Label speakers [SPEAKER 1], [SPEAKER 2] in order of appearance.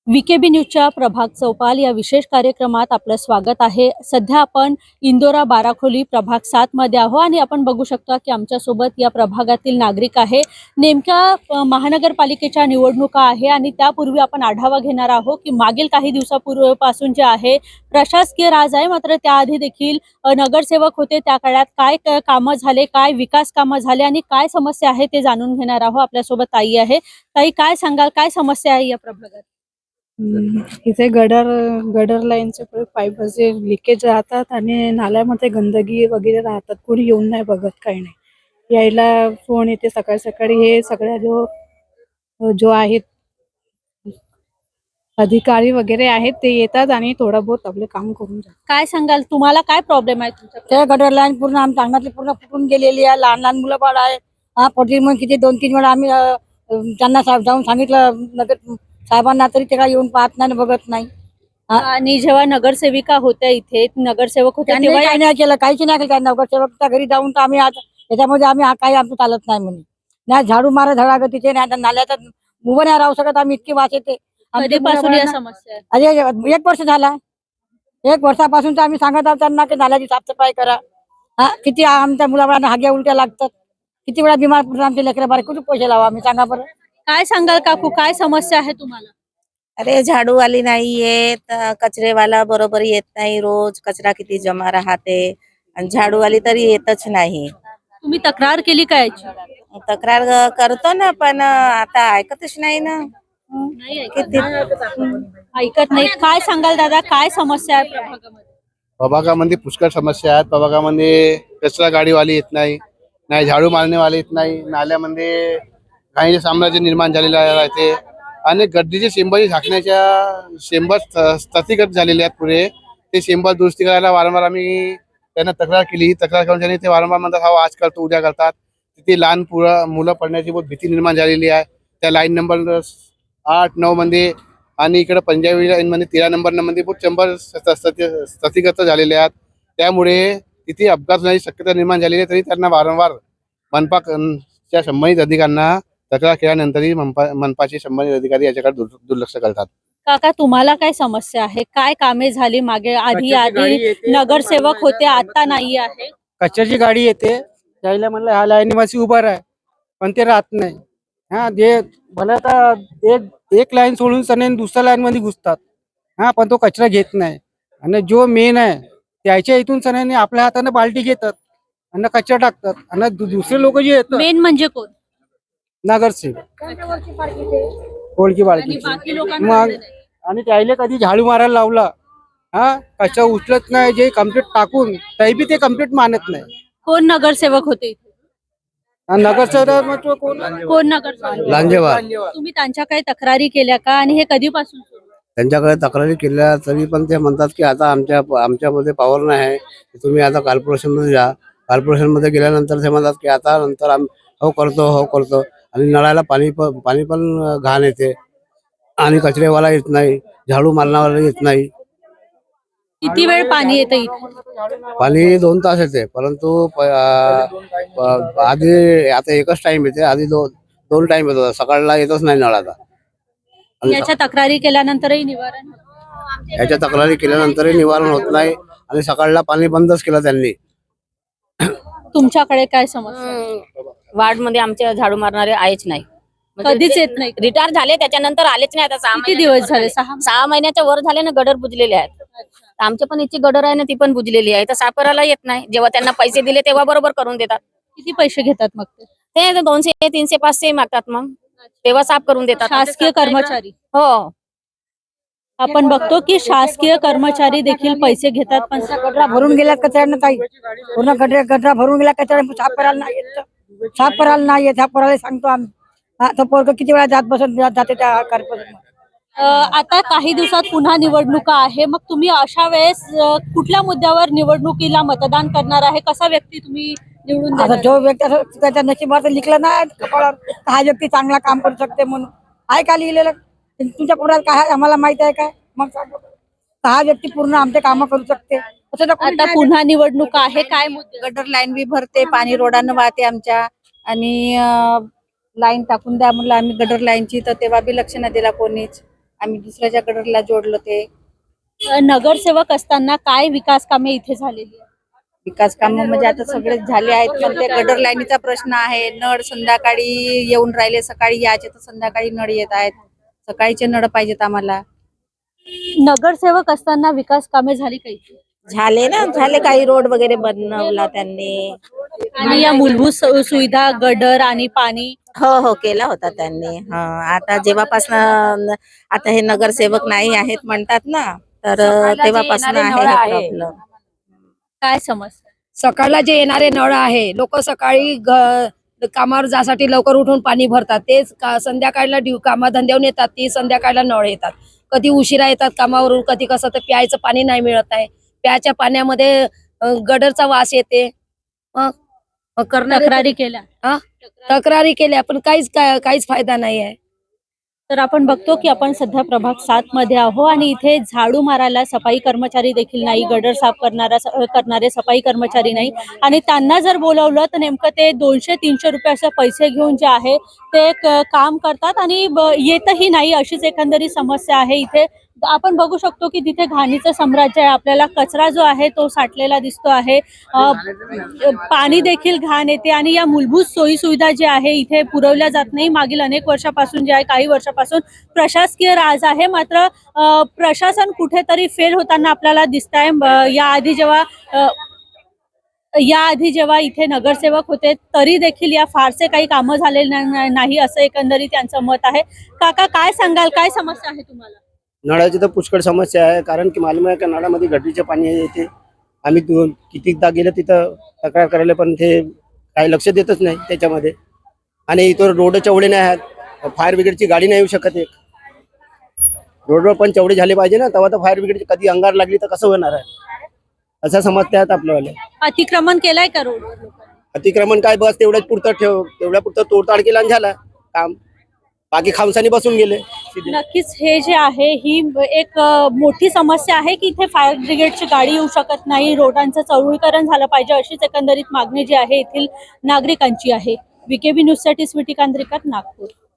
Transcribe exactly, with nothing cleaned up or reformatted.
[SPEAKER 1] VKB न्यूजच्या प्रभाग चौपाल या विशेष कार्यक्रमात आपलं स्वागत आहे। सध्या आपण इंदोरा बाराखोली प्रभाग सात मध्ये आहोत आणि आपण बघू शकता की आमच्या सोबत या प्रभागातील नागरिक आहे। नेमक्या महानगरपालिकेच्या निवडणुका आहे आणि त्यापूर्वी आपण आढावा घेणार आहोत की मागील काही दिवसापूर्वीपासून जे आहे प्रशासकीय राज आहे, मात्र त्याआधी देखील नगरसेवक होते त्या काळात काय कामं झाले, काय विकास कामं झाले आणि काय समस्या आहे ते जाणून घेणार आहोत। आपल्या सोबत ताई आहे। ताई, काय सांगाल, काय समस्या आहे या प्रभागात?
[SPEAKER 2] इथे गडर गडर लाईनचे पाईप असे लिकेज राहतात आणि नाल्यामध्ये गंदगी वगैरे राहतात। कोणी येऊन नाही बघत, काही नाही। यायला फोन येते सकाळी सकाळी, हे सगळ्या जो जो आहेत अधिकारी वगैरे आहेत ते येतात आणि थोडा बहुत आपले काम करून जातात।
[SPEAKER 1] काय सांगाल, तुम्हाला काय प्रॉब्लेम आहे तुमच्या?
[SPEAKER 3] त्या गटर लाईन पूर्ण आमच्या अंगणातली पूर्ण फुटून गेलेली आहे। लहान लहान मुलं बाळ आहे। हा पडली मग किती दोन तीन वेळा आम्ही अ, त्यांना साहेब जाऊन सांगितलं नगर साहेबांना, तरी ते काय येऊन पाहत नाही, बघत नाही।
[SPEAKER 1] आणि जेव्हा नगरसेविका होत्या इथे, नगरसेवक होते
[SPEAKER 3] त्यांनी
[SPEAKER 1] तेव्हा
[SPEAKER 3] काही नाही केलं, काहीच नाही केलं। नगरसेवकच्या घरी जाऊन तर आम्ही आज याच्यामध्ये आम्ही हा काही आमचं चालत नाही म्हणे, नाही झाडू मारा धडागतीचे, नाही नाल्याचा उभं नाही राहू शकत आम्ही, इतकी वास येते।
[SPEAKER 1] कधीपासून या समस्या आहे?
[SPEAKER 3] अरे एक वर्ष झाला, एक वर्षापासून तर आम्ही सांगत आहोत त्यांना की नाल्याची साफसफाई करा। हा किती आमच्या मुलाबाळांना हाग्या उलट्या लागतात, किती वेळा बिमार पडतात आमचे लेकरं बारे, कुठे पैसे लावा आम्ही, सांगा बरं।
[SPEAKER 1] काय सांगाल काकू, काय समस्या आहे तुम्हाला?
[SPEAKER 4] अरे झाडूवाली नाही येत, कचरेवाला बरोबर येत नाही, रोज कचरा किती जमा राहते आणि झाडूवाली तरी येतच नाही।
[SPEAKER 1] तुम्ही तक्रार केली का याची?
[SPEAKER 4] तक्रार करतो ना, पण आता ऐकतच नाही ना।
[SPEAKER 1] नाही
[SPEAKER 4] किती
[SPEAKER 1] ऐकत नाही। काय सांगाल दादा, काय समस्या आहे प्रभागामध्ये?
[SPEAKER 5] प्रभागामध्ये पुष्कळ समस्या आहेत। प्रभागामध्ये कचरा गाडीवाली येत नाही, नाही झाडू मारण्यावाले येत नाही, नाल्यामध्ये काही साम्राज्य निर्माण झालेलं आहे आणि गड्डीचे शेंबर झाकण्याच्या शेंबर स्थगित झालेले आहेत पुढे, ते शेंबर दुरुस्ती करायला वारंवार आम्ही त्यांना तक्रार केली। तक्रार करून त्यांनी ते वारंवार म्हणतात हा आज करतो उद्या करतात। तिथे लहान पुरा मुलं पडण्याची बहुत भीती निर्माण झालेली आहे। त्या लाईन नंबर आठ नऊ मध्ये आणि इकडे पंजाबी लाईन मध्ये तेरा नंबर मध्ये बहुत चंबर स्थगित झालेले आहेत। त्यामुळे तिथे अपघात होण्याची शक्यता निर्माण झालेली आहे। तरी त्यांना वारंवार मनपाच्या संबंधित अधिकाऱ्यांना तक्रार केल्यानंतरही मनपा मनपाचे संबंधित अधिकारी याच्याकडे दुर्लक्ष करतात।
[SPEAKER 1] काका, तुम्हाला काय समस्या आहे? काय कामे झाली मागे? आधी आधी नगरसेवक होते, आता नाही आहे।
[SPEAKER 6] कचऱ्याची गाडी येते, त्याला म्हणलं हा लाईनीवासी उभा आहे, पण ते राहत नाही। हा जे भले आता एक एक लाईन सोडून सने दुसऱ्या लाईन मध्ये घुसतात, हा पण तो कचरा घेत नाही। आणि जो मेन आहे त्याच्या इथून सने आपल्या हाताने बाल्टी घेतात आणि कचरा टाकतात आणि दुसरे लोक जे येतात,
[SPEAKER 1] मेन म्हणजे कोण?
[SPEAKER 6] नगरसेवक ओळखी बाळकी,
[SPEAKER 1] बाकी लोकांना
[SPEAKER 6] मग आणि त्याला कधी झाडू मारायला लावला, हा कचरा उचलत नाही, जे कम्प्लीट टाकून तरी बी ते कम्प्लीट मानत नाही।
[SPEAKER 1] कोण नगरसेवक होते इथे?
[SPEAKER 6] नगरसेवक कोण
[SPEAKER 1] कोण नगरसेवक?
[SPEAKER 5] लांजेवार।
[SPEAKER 1] तुम्ही त्यांच्या काही तक्रारी केल्या का आणि हे कधीपासून सुरू आहे?
[SPEAKER 5] त्यांच्याकडे तक्रारी केल्या तरी पण ते म्हणतात की आता आमच्या आमच्यामध्ये पॉवर नाही आहे, तुम्ही आता कॉर्पोरेशन मध्ये जा। कॉर्पोरेशन मध्ये गेल्यानंतर ते म्हणतात की आता नंतर आम्ही हो करतो हो करतो आणि नळाला पाणी पण पाणी पण घाण येते आणि कचरेवाला येत नाही, झाडू मारणावाला येत नाही।
[SPEAKER 1] किती वेळ पाणी येतं इथे?
[SPEAKER 5] पाणी दोन तास येते, परंतु आधी आता एकच टाइम येते, आधी दोन दोन टाइम येत होता, सकाळला येतच नाही नळाचा।
[SPEAKER 1] याच्या तक्रारी केल्यानंतरही निवारण होत नाही?
[SPEAKER 5] याच्या तक्रारी केल्यानंतरही निवारण होत नाही आणि सकाळला पाणी बंदच केलं त्यांनी।
[SPEAKER 1] तुमच्याकडे काय समस्या?
[SPEAKER 7] वार्ड मध्ये आमच्या झाडू मारणारे आहेच नाही,
[SPEAKER 1] कधीच येत नाही?
[SPEAKER 7] रिटायर झाले त्याच्यानंतर आलेच नाही। आता सहा
[SPEAKER 1] किती
[SPEAKER 7] महिन्याच्या
[SPEAKER 1] दिवस
[SPEAKER 7] वर
[SPEAKER 1] झाले? सहा
[SPEAKER 7] सहा महिन्याच्या वर झाले ना, गडर बुजलेले आहेत। आमच्या पण इथे गडर आहे ना, ती पण बुजलेली आहे, तर साफ करायला येत नाही। जेव्हा त्यांना पैसे दिले तेव्हा बरोबर करून देतात।
[SPEAKER 1] किती पैसे घेतात मग ते?
[SPEAKER 7] ते दोनशे तीनशे पाचशे मागतात, मग तेव्हा साफ करून देतात।
[SPEAKER 1] शासकीय कर्मचारी?
[SPEAKER 7] हो,
[SPEAKER 1] आपण बघतो की शासकीय कर्मचारी देखील पैसे घेतात, पण
[SPEAKER 3] गटरा भरून गेल्यात कचऱ्यानं ताई, पूर्ण गटरा गटरा भरून गेला कचऱ्यानं, साफ करायला नाही येत, साफ करायला नाही येत, साफ करायला सांगतो आम्ही। हा तो पोरग किती वेळा जात बसत जाते त्या कॉर्पोरेशन।
[SPEAKER 1] अ, आता काही दिवसात पुन्हा निवडणुका आहे, मग तुम्ही अशा वेळेस अ, कुठल्या मुद्द्यावर निवडणुकीला मतदान करणार आहे? कसा व्यक्ती तुम्ही निवडून
[SPEAKER 3] आता
[SPEAKER 1] देणार?
[SPEAKER 3] जो व्यक्ती असं त्याच्या नशिबात लिखलं ना कपाळावर, हा व्यक्ती चांगला काम करू शकते म्हणून, आहे का लिहिलेलं? तुमच्या पोरात काय आहे आम्हाला माहित आहे काय? मग सांगा बरं. हा व्यक्ती पूर्ण आमचे काम करू शकते असं तर कोणी
[SPEAKER 1] आता
[SPEAKER 3] नाही.
[SPEAKER 1] पुन्हा निवडणुका आहे, काय मुद्दे?
[SPEAKER 8] गटर लाईन बी भरते, पाणी रोडानं वाहते आमच्या, आणि लाईन टाकून द्या म्हणलं आम्ही गटर लाईनची, तर तेव्हा बी लक्ष नाही दिला कोणीच। आम्ही दुसऱ्याच्या गडरला जोडलो ते.
[SPEAKER 1] अ, नगरसेवक असताना काय विकास कामे इथे झालेली आहेत?
[SPEAKER 8] विकास कामं म्हणजे आता सगळे झाले आहेत, पण ते गडर लाईनीचा प्रश्न आहे. नळ संध्याकाळी येऊन राहिले, सकाळी यायचे तर संध्याकाळी नळ येत आहेत. सकाळीचे नळ पाहिजेत आम्हाला.
[SPEAKER 1] नगरसेवक असताना विकास कामे झाली काही
[SPEAKER 4] झाले ना, झाले काही रोड वगैरे बनवला त्यांनी.
[SPEAKER 1] आणि या मूलभूत सु- सुविधा गडर आणि पाणी
[SPEAKER 4] हो हो केला होता त्यांनी. हा आता जेव्हापासनं आता हे नगरसेवक नाही आहेत म्हणतात ना, तर तेव्हापासून आहे हा प्रॉब्लेम.
[SPEAKER 1] काय समस्या?
[SPEAKER 3] सकाळला जे येणारे नळ आहे, लोक सकाळी ग- कामावर जासाठी लवकर उठून पाणी भरतात. तेच का संध्याकाळला ड्यू कामाधंद्यावरून येतात, ती संध्याकाळला नळ येतात. कधी उशिरा येतात कामावरून, कधी कसं तर प्यायचं पाणी नाही मिळत आहे. प्याच्या पाण्यामध्ये अ, गडरचा वास येते. मग मग करणारे
[SPEAKER 1] तक्रारी केल्या
[SPEAKER 3] तक्रारी केल्या, पण काहीच काय- काहीच फायदा नाही आहे.
[SPEAKER 1] तर आपण बघतो की आपण सध्या प्रभाग सात मध्ये आहो आणि इथे झाडू मारायला सफाई कर्मचारी देखील नाही, गडर साफ करणारा करणारे सफाई कर्मचारी नाही आणि त्यांना जर बोलवलं तर नेमकं ते दोनशे तीनशे रुपये असे पैसे घेऊन जे आहे ते क- काम करतात आणि ब- येतही नाही, अशीच एकंदरीत समस्या आहे इथे. आपण बघू शकतो की तिथे घाणीचं साम्राज्य आहे. आपल्याला कचरा जो आहे तो साठलेला दिसतो आहे. अ, पाणी देखील घाण येते आणि या मूलभूत सोयी सुविधा जे आहे इथे पुरवल्या जात नाही. मागील अनेक वर्षापासून जे आहे, काही वर्षापासून प्रशासकीय राज आहे, मात्र अ, प्रशासन कुठेतरी फेल होताना आपल्याला दिसत आहे. याआधी जेव्हा अ, याआधी जेव्हा इथे नगरसेवक होते तरी देखील या फारसे काही कामं झालेले ना- नाही असं एकंदरीत त्यांचं मत आहे. काका काय सांगाल, काय समस्या आहे तुम्हाला?
[SPEAKER 9] नळाची तर पुष्कळ समस्या आहे, कारण की मालूम आहे का नळामध्ये गटरीचे पाणी येते. आम्ही दोन कितीकदा गेलं तिथं तक्रार करायला, पण ते काही लक्ष देतच नाही त्याच्यामध्ये. आणि इथं रोड चवडे नाही आहेत, फायर ब्रिगेडची गाडी नाही येऊ शकत. एक रोडवर पण चवडे झाले पाहिजे ना, तेव्हा तर फायर ब्रिगेडची कधी अंगार लागली तर कसं होणार आहे, असं समजते आहेत आपल्याला.
[SPEAKER 1] अतिक्रमण केलंय का रोडवर लोकांनी?
[SPEAKER 9] अतिक्रमण काय, बस तेवढ्याच पुरतं ठेव, तेवढ्या पुरतं तोडताड केला आणि झाला काम. बाकी खामसानी बसून गेले सीधे.
[SPEAKER 1] नक्कीच हे जे आहे ही एक अ, मोठी समस्या आहे की इथे फायर ब्रिगेडची गाडी येऊ शकत नाही, रोडांचं चौळीकरण झालं पाहिजे, अशीच एकंदरीत मागणी जी आहे येथील नागरिकांची आहे. व्हीकेबी न्यूजसाठी स्वीटी कांद्रेकर, नागपूर.